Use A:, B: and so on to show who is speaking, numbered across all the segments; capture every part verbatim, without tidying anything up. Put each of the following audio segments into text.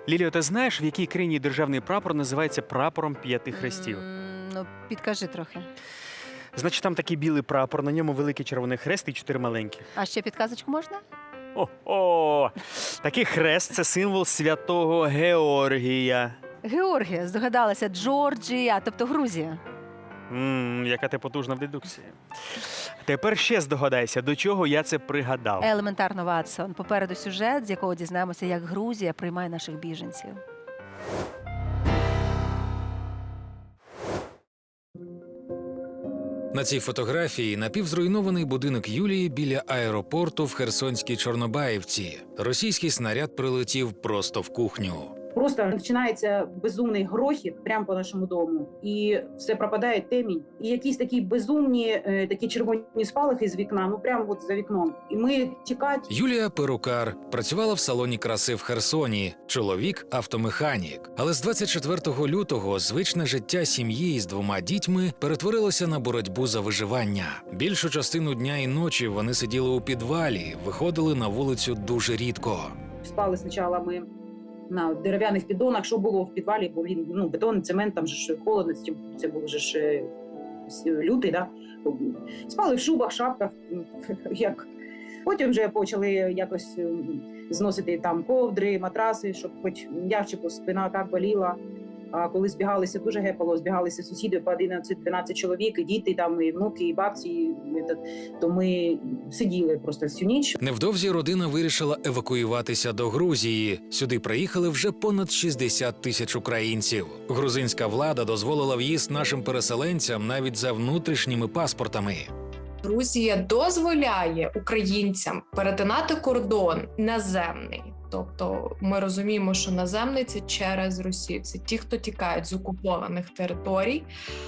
A: Ліліо, ти знаєш, в якій країні державний прапор називається прапором п'яти хрестів?
B: М, Ну, підкажи трохи.
A: Значить, там такий білий прапор, на ньому великий червоний хрест і чотири маленькі.
B: А ще підказочку можна?
A: О-о! Такий хрест – це символ святого Георгія.
B: Георгія, здогадалася, Джорджія, тобто Грузія.
A: Ммм, яка ти потужна в дедукції. Тепер ще здогадайся, до чого я це пригадав.
B: Елементарно, Ватсон. Попереду сюжет, з якого дізнаємося, як Грузія приймає наших біженців.
C: На цій фотографії напівзруйнований будинок Юлії біля аеропорту в Херсонській Чорнобаївці. Російський снаряд прилетів просто в кухню.
D: Просто починається безумний грохіт прямо по нашому дому, і все пропадає темінь. І якісь такі безумні, е, такі червоні спалахи з вікна, ну прямо от за вікном. І ми тікати.
C: Юлія – перукар, працювала в салоні краси в Херсоні, чоловік – автомеханік. Але з двадцять четвертого лютого звичне життя сім'ї з двома дітьми перетворилося на боротьбу за виживання. Більшу частину дня і ночі вони сиділи у підвалі, виходили на вулицю дуже рідко.
D: Спали спочатку ми на дерев'яних піддонах, що було в підвалі, бо він ну бетон, цемент, там же ж холодно, це було вже ж е, лютий, да? Спали в шубах, шапках, як. Потім вже почали якось е, зносити там ковдри, матраси, щоб хоч м'якче, бо спина так боліла. А коли збігалися, дуже гепало, збігалися сусіди по одинадцять-дванадцять чоловік, і діти, там, і внуки, і бабці, і, то ми сиділи просто всю ніч.
C: Невдовзі родина вирішила евакуюватися до Грузії. Сюди приїхали вже понад шістдесят тисяч українців. Грузинська влада дозволила в'їзд нашим переселенцям навіть за внутрішніми паспортами.
E: Грузія дозволяє українцям перетинати кордон наземний. Тобто ми розуміємо, що наземний – це через Росію, це ті, хто тікають з окупованих територій.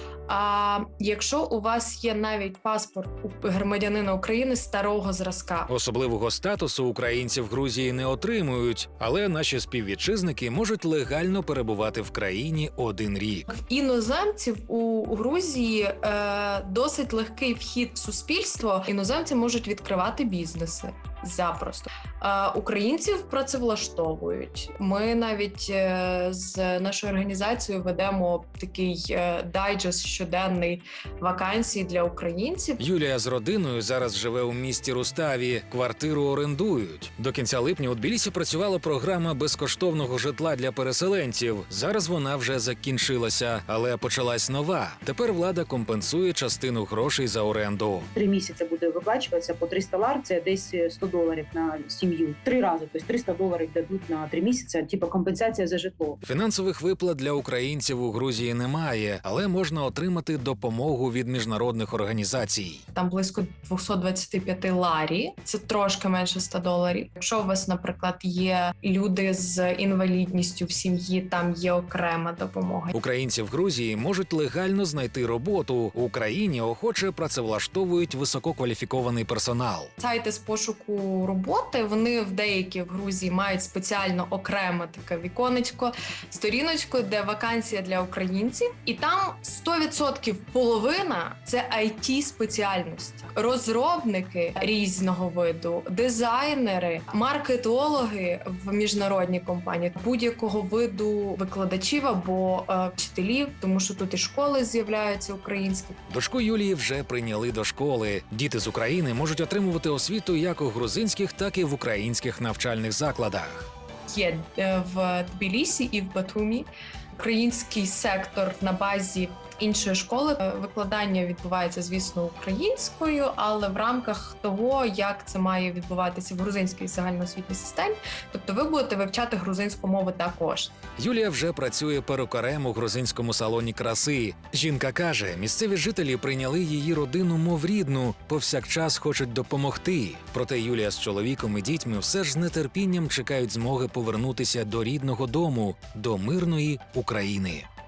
E: А якщо у вас є навіть паспорт у громадянина України старого зразка.
C: Особливого статусу українці в Грузії не отримують, але наші співвітчизники можуть легально перебувати в країні один рік.
E: В іноземців у Грузії е, досить легкий вхід в суспільство. Іноземці можуть відкривати бізнеси запросто. Е, українців працевлаштовують. Ми навіть е, з нашою організацією ведемо такий е, дайджест щоденний вакансій для українців.
C: Юлія з родиною зараз живе у місті Руставі. Квартиру орендують. До кінця липня у Тбілісі працювала програма безкоштовного житла для переселенців. Зараз вона вже закінчилася, але почалась нова. Тепер влада компенсує частину грошей за оренду.
D: Три місяці буде виплачуватися по триста лар, це десь сто доларів на сім'ю. Три рази, тобто триста доларів дадуть на три місяці, типу компенсація за житло.
C: Фінансових виплат для українців у Грузії немає, але можна отримати допомогу від міжнародних організацій.
E: Там близько двісті двадцять п'ять ларі, це трошки менше ста доларів. Якщо у вас, наприклад, є люди з інвалідністю в сім'ї, там є окрема допомога.
C: Українці в Грузії можуть легально знайти роботу. В Україні охоче працевлаштовують висококваліфікований персонал.
E: Сайти з пошуку роботи, вони в деякі в Грузії мають спеціально окреме таке віконечко, сторіночку, де вакансія для українців. І там сто відсотків половина – це ай ті-спеціальності. Розробники різного виду, дизайнери, маркетологи в міжнародній компанії, будь-якого виду викладачів або е, вчителів, тому що тут і школи з'являються українські.
C: Дочку Юлії вже прийняли до школи. Діти з України можуть отримувати освіту як у грузинських, так і в українських навчальних закладах.
E: Є е, в Тбілісі і в Батумі український сектор на базі іншої школи. Викладання відбувається, звісно, українською, але в рамках того, як це має відбуватися в грузинській загальноосвітній системі, тобто ви будете вивчати грузинську мову також.
C: Юлія вже працює перукарем у грузинському салоні краси. Жінка каже, місцеві жителі прийняли її родину мов рідну, повсякчас хочуть допомогти. Проте Юлія з чоловіком і дітьми все ж з нетерпінням чекають змоги повернутися до рідного дому, до мирної України.